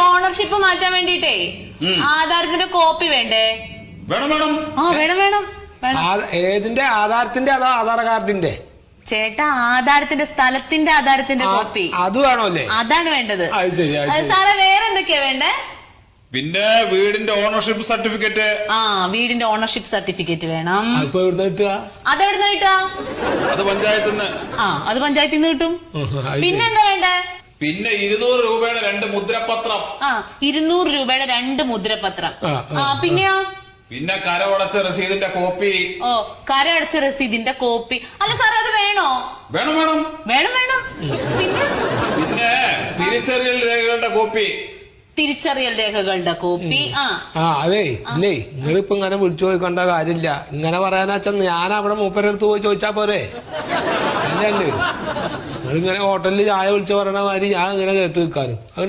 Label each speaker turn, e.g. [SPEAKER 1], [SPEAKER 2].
[SPEAKER 1] Ownership മാറ്റാൻ വേണ്ടിട്ടേ ആധാരത്തിന്റെ copy വേണ്ടേ?
[SPEAKER 2] വേണം വേണം.
[SPEAKER 1] ആ വേണം വേണം വേണം.
[SPEAKER 3] ഏതിന്റെ ആധാരത്തിന്റെ അതോ ആധാർ കാർഡിന്റെ?
[SPEAKER 1] ചേട്ടാ ആധാരത്തിന്റെ സ്ഥലത്തിന്റെ ആധാരത്തിന്റെ കോപ്പി
[SPEAKER 3] അത് വേണോ അല്ലേ?
[SPEAKER 1] അതാണ് വേണ്ടത്.
[SPEAKER 3] അത് ശരി.
[SPEAKER 1] സാറേ വേറെ എന്തൊക്കെയാ വേണ്ടേ?
[SPEAKER 2] പിന്നെ വീടിന്റെ ഓണർഷിപ്പ് സർട്ടിഫിക്കറ്റ്.
[SPEAKER 1] ആ വീടിന്റെ ഓണർഷിപ്പ് സർട്ടിഫിക്കറ്റ് വേണം.
[SPEAKER 3] അതെവിടുന്ന കിട്ടുക?
[SPEAKER 1] അതെവിടുന്ന കിട്ടുക?
[SPEAKER 2] അത് പഞ്ചായത്തിൽ നിന്ന്.
[SPEAKER 1] ആ അത് പഞ്ചായത്തിൽ നിന്ന് കിട്ടും. പിന്നെ എന്താ വേണ്ടേ?
[SPEAKER 2] പിന്നെ 200 രൂപയുടെ 2 മുദ്രപത്രം.
[SPEAKER 1] ആ 200 രൂപയുടെ 2 മുദ്രപത്രം. ആ പിന്നെയോ?
[SPEAKER 2] പിന്നെ കരമടച്ച രസീതിന്റെ കോപ്പി.
[SPEAKER 1] ഓ കരമടച്ച രസീതിന്റെ കോപ്പി. അല്ല സാറേ അത് വേണോ?
[SPEAKER 2] വേണം വേണം
[SPEAKER 1] വേണം വേണം. പിന്നെ
[SPEAKER 2] പിന്നെ തിരിച്ചറിയൽ രേഖകളുടെ കോപ്പി.
[SPEAKER 1] തിരിച്ചറിയൽ രേഖകളുടെ കോപ്പി.
[SPEAKER 3] അതെ ഇല്ലേ, നിങ്ങളിപ്പോ ഇങ്ങനെ വിളിച്ചു ചോദിക്കേണ്ട കാര്യമില്ല. ഇങ്ങനെ പറയാനാച്ചാ ഞാൻ അവിടെ മൂപ്പരടുത്ത് പോയി ചോദിച്ചാ പോരെ? അല്ലേ നിങ്ങളിങ്ങനെ ഹോട്ടലിൽ ചായ വിളിച്ചു പറയണ മാതിരി ഞാൻ ഇങ്ങനെ കേട്ട് നിൽക്കാനും